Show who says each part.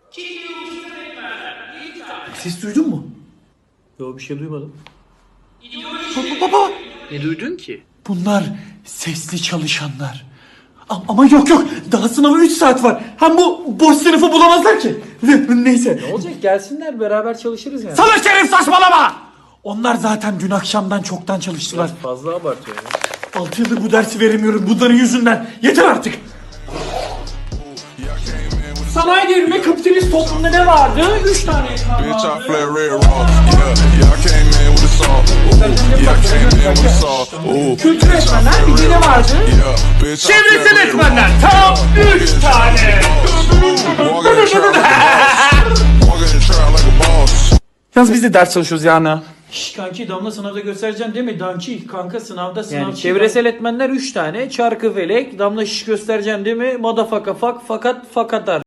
Speaker 1: Ses duydun mu?
Speaker 2: Yo, bir şey duymadım.
Speaker 1: Baba.
Speaker 2: Ne duydun ki?
Speaker 1: Bunlar sesli çalışanlar. Ama yok. Daha sınava 3 saat var. Hem bu boş sınıfı bulamazlar ki. Neyse.
Speaker 2: Ne olacak, gelsinler beraber çalışırız yani.
Speaker 1: Salak Şerif saçmalama! Onlar zaten dün akşamdan çoktan çalıştılar.
Speaker 2: Biraz fazla abartıyor ya.
Speaker 1: 6 yıldır bu dersi veremiyorum bunların yüzünden. Yeter artık. Sanayi devrimi kapitalist toplumda ne vardı? 3 tane ekran
Speaker 3: Bitch, I
Speaker 1: vardı.
Speaker 3: flare red raw. Yeah, I came in with a saw. Ooh, yeah, I came in with a saw. Ooh,
Speaker 1: Kültür etmenler bir de ne vardı?
Speaker 3: yeah, bitch, I
Speaker 1: Çevresel
Speaker 3: flare red
Speaker 1: etmenler
Speaker 3: raw.
Speaker 1: tam 3 tane.
Speaker 3: Walking in the trap like a boss. Walking in the trap like a boss.
Speaker 1: Yalnız biz de ders çalışıyoruz yani.
Speaker 2: Şş kanki, Damla sınavda göstereceksin değil mi? Danki kanka sınavda sınav.
Speaker 1: Yani
Speaker 2: Çevresel etmenler 3 tane. Çarkı felek. Damla şiş göstereceksin değil mi? Madafaka fak fakat fakatar.